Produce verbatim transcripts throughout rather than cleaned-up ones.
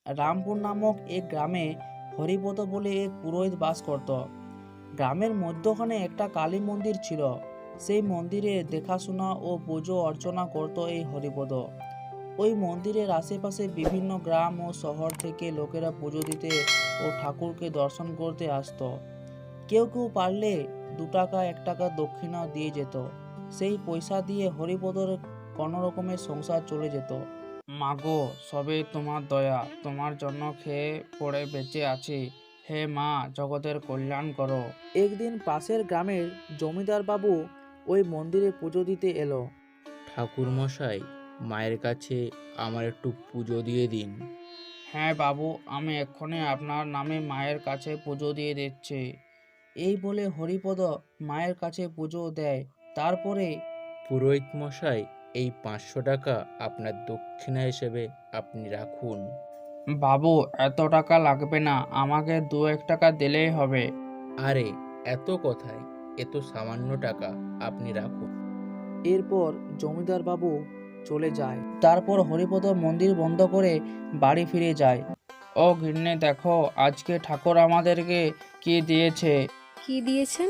রামপুর নামক এক গ্রামে হরিপদ বলে এক পুরোহিত বাস করত। গ্রামের মধ্যখানে একটা কালী মন্দির ছিল। সেই মন্দিরে দেখাশোনা ও পুজো অর্চনা করত এই হরিপদ। ওই মন্দিরের আশেপাশে বিভিন্ন গ্রাম ও শহর থেকে লোকেরা পুজো দিতে ও ঠাকুরকে দর্শন করতে আসতো। কেউ কেউ পারলে দু টাকা এক টাকা দক্ষিণাও দিয়ে যেত। সেই পয়সা দিয়ে হরিপদর কোনো রকমের সংসার চলে যেত। মাগো, সবে তোমার দয়া, তোমার জন্য খেয়ে পড়ে বেঁচে আছি। হে মা, জগতের কল্যাণ করো। একদিন পাশের গ্রামের জমিদার বাবু ওই মন্দিরে পুজো দিতে এলো। ঠাকুর মশাই, মায়ের কাছে আমার একটু পুজো দিয়ে দিন। হ্যাঁ বাবু, আমি এক্ষুনি আপনার নামে মায়ের কাছে পুজো দিয়ে দিচ্ছি। এই বলে হরিপদ মায়ের কাছে পুজো দেয়। তারপরে পুরোহিত মশাই, এই পাঁচশো টাকা আপনার দক্ষিণা হিসেবে আপনি রাখুন। বাবু, এত টাকা লাগবে না, আমাকে দু এক টাকা দিলেই হবে। আরে, এত কথায়, এ তো সামান্য টাকা, আপনি রাখুন। এরপর জমিদার বাবু চলে যায়। তারপর হরিপদ মন্দির বন্ধ করে বাড়ি ফিরে যায়। ও গিন্নি, দেখো আজকে ঠাকুর আমাদেরকে কি দিয়েছে। কি দিয়েছেন?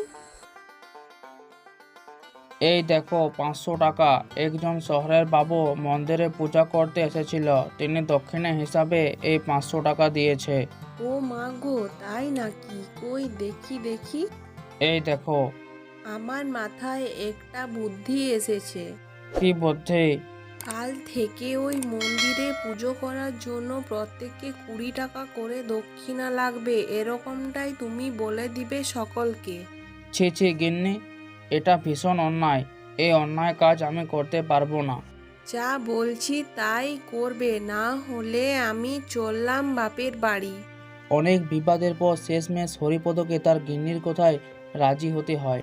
এই দেখো পাঁচশো টাকা। একজন শহরের বাবু মন্দিরে পূজা করতে এসেছিল, তিনি দক্ষিণা হিসাবে এই পাঁচশো টাকা দিয়েছে। ও মা গো, তাই নাকি? কই দেখি দেখি। এই দেখো। আমার মাথায় একটা বুদ্ধি এসেছে। কি বুদ্ধি? কাল থেকে ওই মন্দিরে পুজো করার জন্য প্রত্যেককে কুড়ি টাকা করে দক্ষিণা লাগবে, এরকমটাই তুমি বলে দিবে সকলকে। ছি ছি গিন্নি, এটা ভীষণ অন্যায়। এই অন্যায় কাজ আমি করতে পারবো না। যা বলছি তাই করবে, না হলে আমি চললাম বাপের বাড়ি। অনেক বিবাদের পর শেষমেশ হরিপদকে তার গিন্নির কথায় রাজি হতে হয়।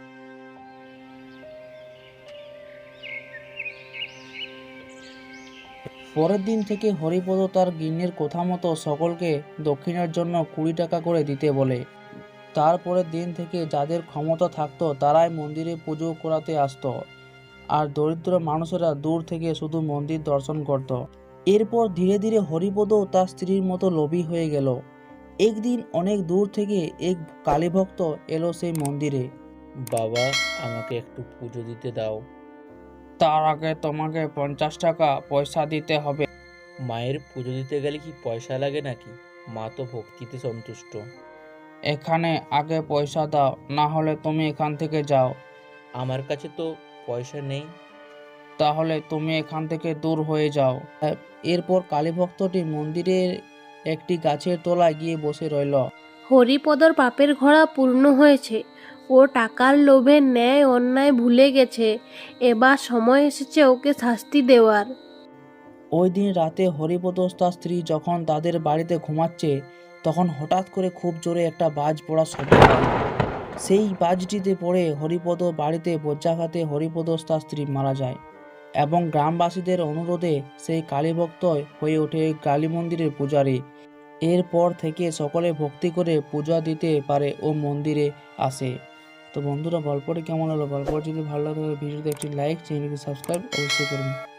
পরের দিন থেকে হরিপদ তার গিন্নির কথা মতো সকলকে দক্ষিণের জন্য কুড়ি টাকা করে দিতে বলে। তারপরের দিন থেকে যাদের ক্ষমতা থাকতো তারাই মন্দিরে পুজো করাতে আসতো, আর দরিদ্র মানুষেরা দূর থেকে শুধু মন্দির দর্শন করত। এরপর ধীরে ধীরে হরিপদ তার স্ত্রীর মতো লোভী হয়ে গেল। একদিন অনেক দূর থেকে এক কালীভক্ত এলো সেই মন্দিরে। বাবা, আমাকে একটু পুজো দিতে দাও। তার আগে তোমাকে পঞ্চাশ টাকা পয়সা দিতে হবে। মায়ের পুজো দিতে গেলে কি পয়সা লাগে নাকি? মা তো ভক্তিতে সন্তুষ্ট। এখানে আগে পয়সা দাও, না হলে তুমি এখান থেকে যাও। আমার কাছে তো পয়সা নেই। তাহলে তুমি এখান থেকে দূর হয়ে যাও। এরপর কালীভক্তটি মন্দিরের একটি গাছের তলায় গিয়ে বসে রইল। হরিপদর পাপের ঘোড়া পূর্ণ হয়েছে। ও টাকার লোভে ন্যায় অন্যায় ভুলে গেছে। এবার সময় এসেছে ওকে শাস্তি দেওয়ার। ওই দিন রাতে হরিপদ তার স্ত্রী যখন তাদের বাড়িতে ঘুমাচ্ছে, তখন হঠাৎ করে খুব জোরে একটা বাজ পড়ার শব্দ হয়। সেই বাজটিতে পড়ে হরিপদ বাড়িতে বজ্রাঘাতে হরিপদ তার স্ত্রী মারা যায়, এবং গ্রামবাসীদের অনুরোধে সেই কালীভক্ত হয়ে ওঠে কালী মন্দিরের পূজারী। এরপর থেকে সকলে ভক্তি করে পূজা দিতে পারে ও মন্দিরে আসে। তো বন্ধুরা, গল্পটি কেমন হলো? গল্পটি যদি ভালো লাগে ভিডিওতে একটি লাইক, চ্যানেলটি সাবস্ক্রাইব অবশ্যই করুন।